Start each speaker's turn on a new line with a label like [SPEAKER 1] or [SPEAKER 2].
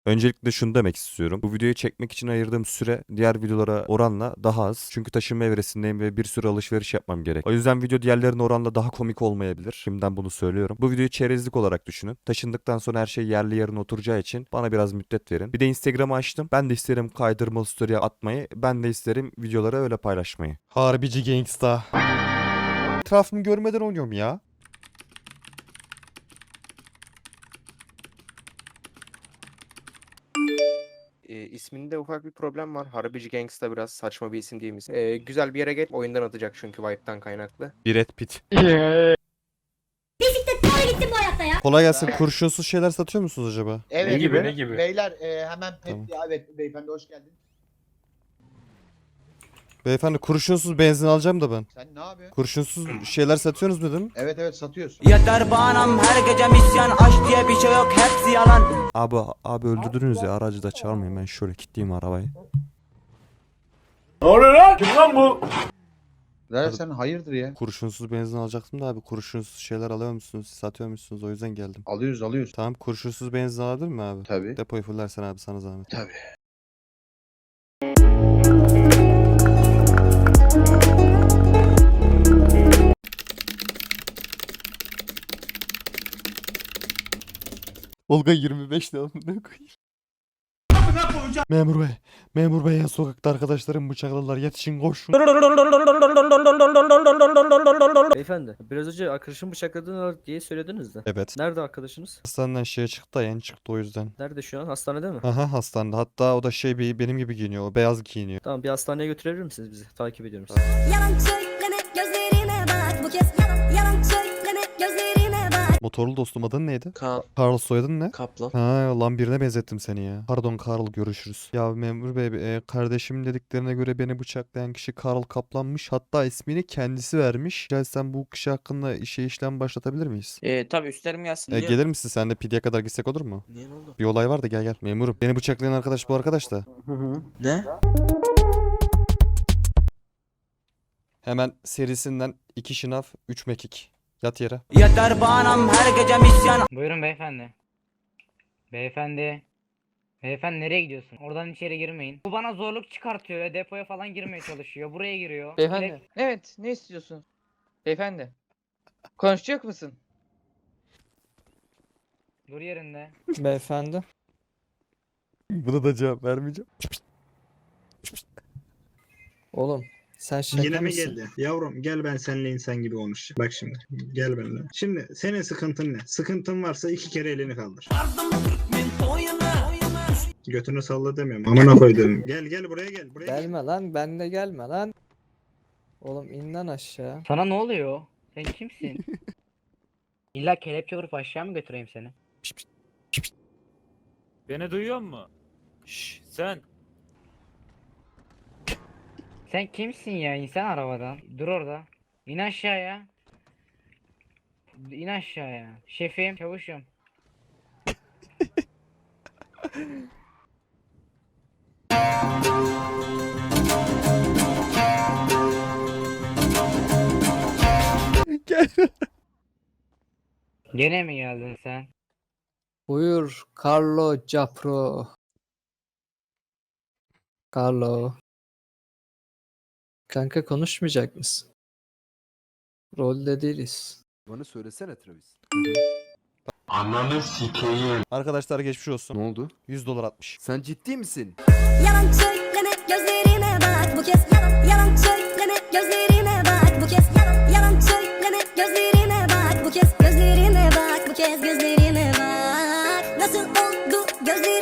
[SPEAKER 1] Öncelikle şunu demek istiyorum. Bu videoyu çekmek için ayırdığım süre diğer videolara oranla daha az. Çünkü taşınma evresindeyim ve bir sürü alışveriş yapmam gerek. O yüzden video diğerlerine oranla daha komik olmayabilir. Şimdiden bunu söylüyorum. Bu videoyu çerezlik olarak düşünün. Taşındıktan sonra her şey yerli yerine oturacağı için bana biraz müddet verin. Bir de Instagram'ı açtım. Ben de isterim kaydırmalı story atmayı. Ben de isterim videoları öyle paylaşmayı. Harbici gangsta. Etrafımı görmeden oynuyorum ya.
[SPEAKER 2] İsminde ufak bir problem var. Harbici Gangsta biraz saçma bir isim değil mi? Güzel bir yere gel. Oyundan atacak çünkü Vibe'dan kaynaklı.
[SPEAKER 1] Brad Pitt.
[SPEAKER 3] Bisiklet gittim bu hayatta ya.
[SPEAKER 1] Kolay gelsin. Kurşunsuz şeyler satıyor musunuz acaba?
[SPEAKER 4] Evet.
[SPEAKER 5] Ne gibi, ne gibi?
[SPEAKER 4] Beyler hemen
[SPEAKER 1] Tamam.
[SPEAKER 4] evet beyefendi hoş geldin.
[SPEAKER 1] Beyefendi kurşunsuz benzin alacağım da ben.
[SPEAKER 4] Sen ne yapıyorsun?
[SPEAKER 1] Kurşunsuz şeyler satıyorsunuz dedim.
[SPEAKER 4] Evet evet satıyoruz.
[SPEAKER 6] Yeter bağnam her gece misyan aşk diye bir şey yok hepsi yalan.
[SPEAKER 1] Abi öldürdünüz ya, aracı da çağırmayın, ben şöyle kilitleyeyim arabayı.
[SPEAKER 5] Ne oluyor lan? Kim lan bu?
[SPEAKER 4] Zaten sen hayırdır ya?
[SPEAKER 1] Kurşunsuz benzin alacaktım da abi, kurşunsuz şeyler alıyor musunuz, satıyor musunuz, o yüzden geldim.
[SPEAKER 4] Alıyoruz.
[SPEAKER 1] Tamam, kurşunsuz benzin alabilir mi abi?
[SPEAKER 4] Tabii.
[SPEAKER 1] Depoyu fullersen abi, sana zahmet.
[SPEAKER 4] Tabii.
[SPEAKER 1] Olga 25 lira ne koyayım? Memur bey ya, sokakta arkadaşlarım bıçakladılar, yetişin koşun.
[SPEAKER 7] Beyefendi, biraz önce arkadaşım bıçakladığını diye söylediniz de.
[SPEAKER 1] Evet.
[SPEAKER 7] Nerede arkadaşınız?
[SPEAKER 1] Hastaneden şeye çıktı da, yeni çıktı o yüzden.
[SPEAKER 7] Nerede şu an? Hastanede mi?
[SPEAKER 1] Aha, hastanede, hatta o da benim gibi giyiniyor, o beyaz giyiniyor.
[SPEAKER 7] Tamam, bir hastaneye götürebilir misiniz bizi? Takip ediyorum sizi.
[SPEAKER 3] Yalan söyleme gözlerime bak. Bu kez yalan söyleme gözlerime bak.
[SPEAKER 1] Motorlu dostum, adın neydi?
[SPEAKER 2] Kaan
[SPEAKER 1] Karl, soyadın ne?
[SPEAKER 2] Kaplan.
[SPEAKER 1] Ha lan, birine benzettim seni ya. Pardon Karl, görüşürüz. Ya memur bey, kardeşimin dediklerine göre beni bıçaklayan kişi Karl Kaplan'mış. Hatta ismini kendisi vermiş. Gel, sen bu kişi hakkında işlem başlatabilir miyiz?
[SPEAKER 6] Tabi üstlerim gelsin.
[SPEAKER 1] Gelir misin sen de, pidyeye kadar gitsek olur mu?
[SPEAKER 2] Niye, ne oldu?
[SPEAKER 1] Bir olay var da, gel. Memurum. Beni bıçaklayan arkadaş bu arkadaş da.
[SPEAKER 2] Ne?
[SPEAKER 1] Hemen serisinden 2 şınav 3 mekik. Yat yere.
[SPEAKER 6] Yeter bağnam her gece misyan.
[SPEAKER 8] Buyurun beyefendi. Beyefendi. Beyefendi nereye gidiyorsun? Oradan içeri girmeyin. Bu bana zorluk çıkartıyor ya. Depoya falan girmeye çalışıyor. Buraya giriyor.
[SPEAKER 9] Beyefendi. Evet, ne istiyorsun? Beyefendi. Konuşacak mısın?
[SPEAKER 8] Dur yerinde.
[SPEAKER 9] Beyefendi.
[SPEAKER 1] Buna da cevap vermeyeceğim.
[SPEAKER 9] Oğlum, sen şaka
[SPEAKER 10] Yine mi
[SPEAKER 9] mısın?
[SPEAKER 10] geldi? Yavrum gel, ben seninle insan gibi konuşacağım. Bak şimdi, gel benimle. Şimdi senin sıkıntın ne? Sıkıntın varsa 2 kere elini kaldır. Götünü salla demiyorum. Amına koydum. Gel buraya gel. Buraya gel.
[SPEAKER 9] Gelme lan, benle gelme lan. Oğlum in lan aşağı.
[SPEAKER 8] Sana ne oluyor? Sen kimsin? İlla kelepçe vurup aşağı mı götüreyim seni?
[SPEAKER 5] Beni duyuyor musun? Şşş sen.
[SPEAKER 8] Sen kimsin ya? İnsan arabadan. Dur orada. İn aşağıya. İn aşağıya. Şefim, çavuşum.
[SPEAKER 1] Gel.
[SPEAKER 8] Gene mi geldin sen?
[SPEAKER 9] Buyur Carlo Capro. Carlo. Kanka konuşmayacak mısın? Rolde değiliz.
[SPEAKER 11] Bana söylesene Travis.
[SPEAKER 1] Arkadaşlar geçmiş olsun.
[SPEAKER 11] Ne oldu?
[SPEAKER 1] $100 atmış.
[SPEAKER 11] Sen ciddi misin?
[SPEAKER 3] Yalan söyleme gözlerime bak. Bu kez yalan söyleme gözlerime bak. Bu kez yalan söyleme gözlerime bak. Bu kez gözlerime bak. Bu kez gözlerime bak. Nasıl oldu gözlerime